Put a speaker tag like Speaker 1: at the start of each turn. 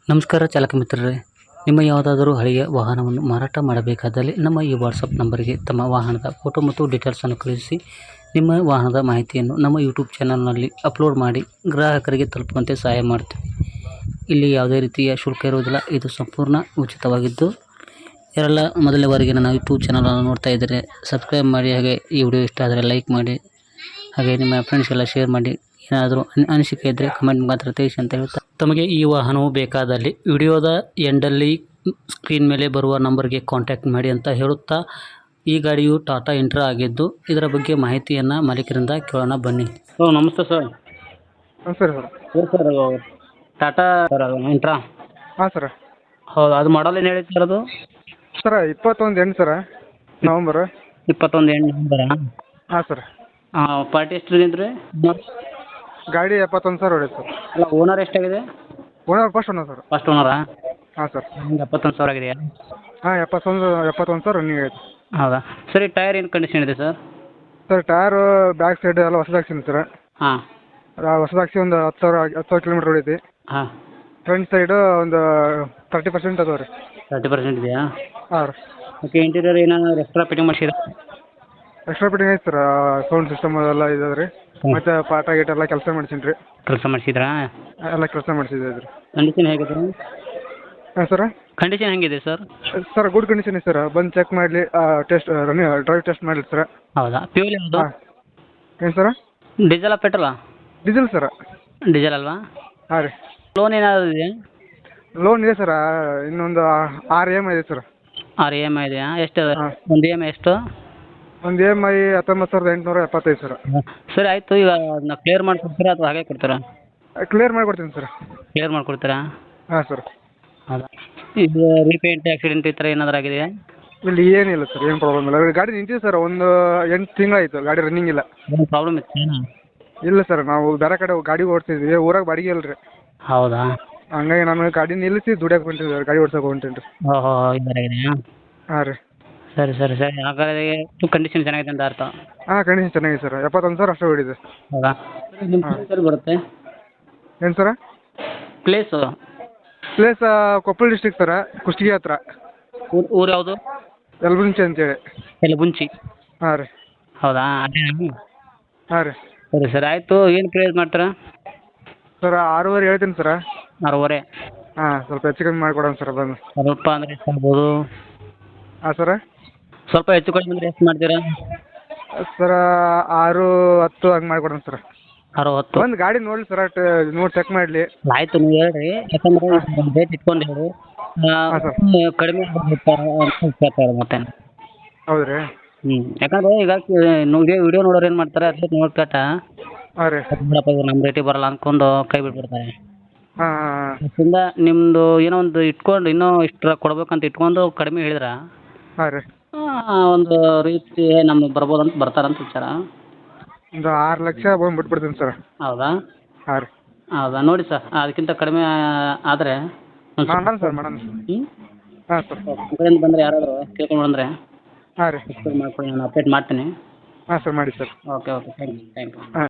Speaker 1: ನಮಸ್ಕಾರ ಚಾಲಕ ಮಿತ್ರರೇ, ನಿಮ್ಮ ಯಾವುದಾದರೂ ಹಳೆಯ ವಾಹನವನ್ನು ಮಾರಾಟ ಮಾಡಬೇಕಾದಲ್ಲಿ ನಮ್ಮ ಈ ವಾಟ್ಸಪ್ ನಂಬರಿಗೆ ತಮ್ಮ ವಾಹನದ ಫೋಟೋ ಮತ್ತು ಡೀಟೇಲ್ಸನ್ನು ಕಳುಹಿಸಿ. ನಿಮ್ಮ ವಾಹನದ ಮಾಹಿತಿಯನ್ನು ನಮ್ಮ ಯೂಟ್ಯೂಬ್ ಚಾನಲ್ನಲ್ಲಿ ಅಪ್ಲೋಡ್ ಮಾಡಿ ಗ್ರಾಹಕರಿಗೆ ತಲುಪುವಂತೆ ಸಹಾಯ ಮಾಡ್ತೀವಿ. ಇಲ್ಲಿ ಯಾವುದೇ ರೀತಿಯ ಶುಲ್ಕ ಇರುವುದಿಲ್ಲ. ಇದು ಸಂಪೂರ್ಣ ಉಚಿತವಾಗಿದ್ದು, ಯಾರೆಲ್ಲ ಮೊದಲನೇ ಬಾರಿಗೆ ನನ್ನ ಯೂಟ್ಯೂಬ್ ಚಾನಲನ್ನು ನೋಡ್ತಾ ಇದ್ದರೆ ಸಬ್ಸ್ಕ್ರೈಬ್ ಮಾಡಿ, ಹಾಗೆ ಈ ವಿಡಿಯೋ ಇಷ್ಟ ಆದರೆ ಲೈಕ್ ಮಾಡಿ, ಹಾಗೆ ನಿಮ್ಮ ಫ್ರೆಂಡ್ಸ್ಗೆಲ್ಲ ಶೇರ್ ಮಾಡಿ. ಏನಾದರೂ ಅನಿಸಿಕೆ ಇದ್ದರೆ ಕಮೆಂಟ್ ಮಾತ್ರ ತಿಳಿಸಿ ಅಂತ ಹೇಳ್ತಾ, ತಮಗೆ ಈ ವಾಹನವು ಬೇಕಾದಲ್ಲಿ ವಿಡಿಯೋದ ಎಂಡಲ್ಲಿ ಸ್ಕ್ರೀನ್ ಮೇಲೆ ಬರುವ ನಂಬರ್ಗೆ ಕಾಂಟ್ಯಾಕ್ಟ್ ಮಾಡಿ ಅಂತ ಹೇಳುತ್ತಾ, ಈ ಗಾಡಿಯು ಟಾಟಾ ಇಂಟ್ರಾ ಆಗಿದ್ದು, ಇದರ ಬಗ್ಗೆ ಮಾಹಿತಿಯನ್ನು ಮಾಲೀಕರಿಂದ ಕೇಳೋಣ ಬನ್ನಿ. ನಮಸ್ತೆ ಸರ್.
Speaker 2: ನಮಸ್ಕಾರ sir.
Speaker 1: Sir Tata sir Intra.
Speaker 2: ಹಾಂ ಸರ.
Speaker 1: ಹೌದು, ಅದು ಮಾಡಲ್ ಏನು ಹೇಳಿ ಸರ್? ಅದು
Speaker 2: ಸರ 21 ಎಂಟು ಸರ, ನವಂಬರ್
Speaker 1: 21 ನಂಬರಾ?
Speaker 2: ಹಾಂ ಸರ್.
Speaker 1: ಪಾರ್ಟಿ ಎಷ್ಟು ಇದ್ರಿ?
Speaker 2: ಗಾಡಿ 71 ಸಾವಿರ ಹೊಡೆಯುತ್ತೆ ಸರ್.
Speaker 1: ಅಲ್ಲ, ಓನರ್ ಎಷ್ಟಾಗಿದೆ?
Speaker 2: Owner first owner sir.
Speaker 1: First ಓನರಾ?
Speaker 2: ಹಾಂ ಸರ್.
Speaker 1: 71 ಸಾವಿರ ಆಗಿದೆಯಾ?
Speaker 2: ಹಾಂ 71 ಸಾವಿರ ರನ್ನಿಂಗ್ ಆಯಿತು.
Speaker 1: ಹೌದಾ ಸರಿ. ಟೈರ್ ಏನು ಕಂಡೀಷನ್ ಇದೆ sir?
Speaker 2: Sir tyre back side ಎಲ್ಲ ಹೊಸದಾಗ್ಸಿನಿ ಸರ್.
Speaker 1: ಹಾಂ.
Speaker 2: ಹೊಸದಾಗ್ಸಿ ಒಂದು 10 ಕಿಲೋಮೀಟ್ರ್ ಹೊಡೈತಿ.
Speaker 1: ಹಾಂ.
Speaker 2: ಫ್ರಂಟ್ ಸೈಡು ಒಂದು 30% ಅದಾವೆ ರೀ.
Speaker 1: 30% ಇದೆಯಾ?
Speaker 2: ಹಾಂ ರೀ.
Speaker 1: ಓಕೆ. ಇಂಟೀರಿಯರ್ ಏನಾದ್ರು ಎಕ್ಸ್ಟ್ರಾ ಫಿಟ್ಟಿಂಗ್ ಮಾಡಿಸಿರಾ?
Speaker 2: ಎಕ್ಸ್ಟ್ರಾ ಫಿಟ್ಟಿಂಗ್ ಐತೆ ಸರ್. ಸೌಂಡ್ ಸಿಸ್ಟಮ್ ಅದೆಲ್ಲ ಇದೆ ರೀ. ಮತ್ತು ಪಾಟ ಗೀಟ ಎಲ್ಲ ಕೆಲಸ ಮಾಡ್ಸೀನಿ ರೀ.
Speaker 1: ಕೆಲಸ ಮಾಡಿಸಿದ್ರಾ?
Speaker 2: ಎಲ್ಲ ಕೆಲಸ ಮಾಡಿಸಿದೆ ರೀ.
Speaker 1: ಕಂಡೀಷನ್ ಹೇಗಿದೆ?
Speaker 2: ಹಾಂ ಸರ.
Speaker 1: ಕಂಡೀಷನ್ ಹೆಂಗಿದೆ ಸರ್?
Speaker 2: ಸರ್ ಗುಡ್ ಕಂಡೀಷನ್ ಇದೆ ಸರ್. ಬಂದು ಚೆಕ್ ಮಾಡಲಿ, ಟೆಸ್ಟ್ ಡ್ರೈವ್ ಟೆಸ್ಟ್ ಮಾಡಲಿ ಸರ್.
Speaker 1: ಹೌದಾ? ಫ್ಯೂಲ್ ಯಾವುದು?
Speaker 2: ಹಾಂ. ಏನು ಸರ?
Speaker 1: ಡೀಸೆಲಾ ಪೆಟ್ರೋಲಾ?
Speaker 2: ಡೀಸೆಲ್ ಸರ.
Speaker 1: ಡೀಸೆಲ್ ಅಲ್ವಾ?
Speaker 2: ಹಾಂ ರೀ.
Speaker 1: ಲೋನ್ ಏನಾದರೂ ಇದೆಯಾ?
Speaker 2: ಲೋನ್ ಇದೆ ಸರ. ಇನ್ನೊಂದು 6 EMI ಇದೆ ಸರ್.
Speaker 1: 6 EMI ಇದೆಯಾ? ಎಷ್ಟು?
Speaker 2: ಹಾಂ.
Speaker 1: ಒಂದು EMI ಎಷ್ಟು?
Speaker 2: ಒಂದು EMI 19,875 ಸರ್.
Speaker 1: ಸರಿ ಆಯಿತು. ಈಗ ಅದನ್ನ ಕ್ಲಿಯರ್ ಮಾಡಿಕೊಡ್ತೀರಾ ಅಥವಾ ಹಾಗೆ ಕೊಡ್ತೀರಾ?
Speaker 2: ಕ್ಲಿಯರ್ ಮಾಡಿಕೊಡ್ತೀನಿ ಸರ್.
Speaker 1: ಕ್ಲಿಯರ್ ಮಾಡಿಕೊಡ್ತೀರಾ?
Speaker 2: ಹಾಂ ಸರ್.
Speaker 1: ಹೌದಾ. ಇದು ರೀಪೇಂಟ್, ಆಕ್ಸಿಡೆಂಟ್ ಈ ಥರ ಏನಾದರೂ ಆಗಿದೆಯಾ?
Speaker 2: ಇಲ್ಲಿ ಏನಿಲ್ಲ ಸರ್, ಏನು ಪ್ರಾಬ್ಲಮ್ ಇಲ್ಲ. ಗಾಡಿ ನಿಂತಿದೆ ಸರ್. ಒಂದು 8 ತಿಂಗಳಾಯಿತು ಗಾಡಿ ರನ್ನಿಂಗ್ ಇಲ್ಲ.
Speaker 1: ಏನು ಪ್ರಾಬ್ಲಮ್ ಇತ್ತು?
Speaker 2: ಇಲ್ಲ ಸರ್, ನಾವು ಬೇರೆ ಕಡೆ ಗಾಡಿ ಓಡಿಸ್ತಿದ್ವಿ. ಊರಾಗ ಬಾಡಿಗೆ ಇಲ್ಲ ರೀ.
Speaker 1: ಹೌದಾ?
Speaker 2: ಹಂಗಾಗಿ ನಾನು ಗಾಡಿ ನಿಲ್ಲಿಸಿ ದುಡಿಯೋಕೆ ಹೊಂಟಿದ್ದೆ, ಗಾಡಿ ಓಡ್ಸೋಕೆ ಹೊಂಟೀನಿ ರೀ.
Speaker 1: ಓಹೋ, ಈ ಥರ ಇದೆಯಾ?
Speaker 2: ಹಾಂ ರೀ.
Speaker 1: ಸರಿ ಸರಿ ಸರಿ. ಹಾಗಾದ್ರೆ ಕಂಡೀಷನ್ ಚೆನ್ನಾಗಿದೆ ಅಂತ ಅರ್ಥ.
Speaker 2: ಹಾಂ, ಕಂಡೀಷನ್ ಚೆನ್ನಾಗಿದೆ ಸರ್. 71 ಸಾವಿರ ಅಷ್ಟೇ ಹೊಡಿದೆ.
Speaker 1: ಹೌದಾ? ನಿಮ್ಮ ಪ್ಲೇಸ್ ಬರುತ್ತೆ?
Speaker 2: ಏನು sir?
Speaker 1: Place?
Speaker 2: Place Koppal district sir, Kushtagi ಹತ್ರ.
Speaker 1: ಊರು ಯಾವುದು?
Speaker 2: ಯಲಬುಂಚಿ ಅಂತೇಳಿ.
Speaker 1: ಯಲಬುಂಚಿ.
Speaker 2: ಹಾಂ ರೀ.
Speaker 1: ಹೌದಾ? ಅದೇ.
Speaker 2: ಹಾಂ ರೀ.
Speaker 1: ಸರಿ ಸರಿ ಆಯಿತು. ಏನು ಪ್ರೈಸ್ ಮಾಡ್ತೀರಾ?
Speaker 2: ಸರ್ 6.5 ಹೇಳ್ತೀನಿ ಸರ.
Speaker 1: 6.5?
Speaker 2: ಹಾಂ, ಸ್ವಲ್ಪ ಹೆಚ್ಚು ಕಮ್ಮಿ ಮಾಡಿಕೊಡೋಣ ಸರ್ ಬಂದು.
Speaker 1: ಸ್ವಲ್ಪ ಅಂದರೆ ಎಷ್ಟು ಆಗ್ಬೋದು?
Speaker 2: ಹಾಂ ಸರ.
Speaker 1: ಸ್ವಲ್ಪ ಹೆಚ್ಚು ಕಡಿಮೆ ಅಂದರೆ ಎಷ್ಟು ಮಾಡ್ತೀರಾ?
Speaker 2: ಸರ 6-10 ಹಂಗೆ ಮಾಡಿಕೊಡೋಣ ಸರ್.
Speaker 1: 6-10?
Speaker 2: ಒಂದು ಗಾಡಿ ನೋಡಲಿ ಸರ, ನೋಡಿ ಚೆಕ್ ಮಾಡಲಿ.
Speaker 1: ಆಯಿತು, ನೀವು ಹೇಳ್ರಿ. ಯಾಕಂದರೆ ರೇಟ್ ಇಟ್ಕೊಂಡು ಹೇಳಿ.
Speaker 2: ಹಾಂ ಸರ್.
Speaker 1: ಕಡಿಮೆ ಕೇಳ್ತಾ ಇರೋದು ಮತ್ತೆ.
Speaker 2: ಹೌದು ರೀ.
Speaker 1: ಯಾಕಂದರೆ ಈಗ ವಿಡಿಯೋ ನೋಡೋರು ಏನು ಮಾಡ್ತಾರೆ, ಅಟ್ಲೀಸ್ಟ್ ನೋಡ್ಕೊಟ್ಟ
Speaker 2: ಹಾಂ ರೀ.
Speaker 1: ಬಿಡಪ್ಪ ಇವ್ರು ನಮ್ಮ ರೇಟಿಗೆ ಬರಲ್ಲ ಅಂದ್ಕೊಂಡು ಕೈ ಬಿಟ್ಬಿಡ್ತಾರೆ.
Speaker 2: ಹಾಂ ಹಾಂ.
Speaker 1: ಅದರಿಂದ ನಿಮ್ಮದು ಏನೋ ಒಂದು ಇಟ್ಕೊಂಡು ಇನ್ನೂ ಇಷ್ಟು ಕೊಡ್ಬೇಕಂತ ಇಟ್ಕೊಂಡು ಕಡಿಮೆ ಹೇಳಿದ್ರೆ
Speaker 2: ಹಾಂ ರೀ.
Speaker 1: ಒಂದು ರೀತಿ ನಮ್ಗೆ ಬರ್ಬೋದು ಅಂತ ಬರ್ತಾರಂತ ವಿಚಾರ.
Speaker 2: ಒಂದು 6 ಲಕ್ಷ ಬಂದು ಬಿಟ್ಬಿಡ್ತೀನಿ ಸರ್.
Speaker 1: ಹೌದಾ?
Speaker 2: ಹಾಂ ರೀ.
Speaker 1: ಹೌದಾ? ನೋಡಿ ಸರ್, ಅದಕ್ಕಿಂತ ಕಡಿಮೆ ಆದರೆ
Speaker 2: ಮಾಡೋಣ ಸರ್, ಮಾಡೋಣ. ಹಾಂ ಸರ್.
Speaker 1: ನಮ್ಮ ಕಡೆಯಿಂದ ಬಂದರೆ ಯಾರಾದರೂ ಕೇಳ್ಕೊಂಡು ಬಂದರೆ
Speaker 2: ಹಾಂ ರೀ.
Speaker 1: ಮಾಡ್ಕೊಳ್ಳಿ, ನಾನು ಅಪ್ಡೇಟ್ ಮಾಡ್ತೀನಿ.
Speaker 2: ಹಾಂ ಸರ್, ಮಾಡಿ sir.
Speaker 1: Okay okay. Thank you.
Speaker 2: ಹಾಂ.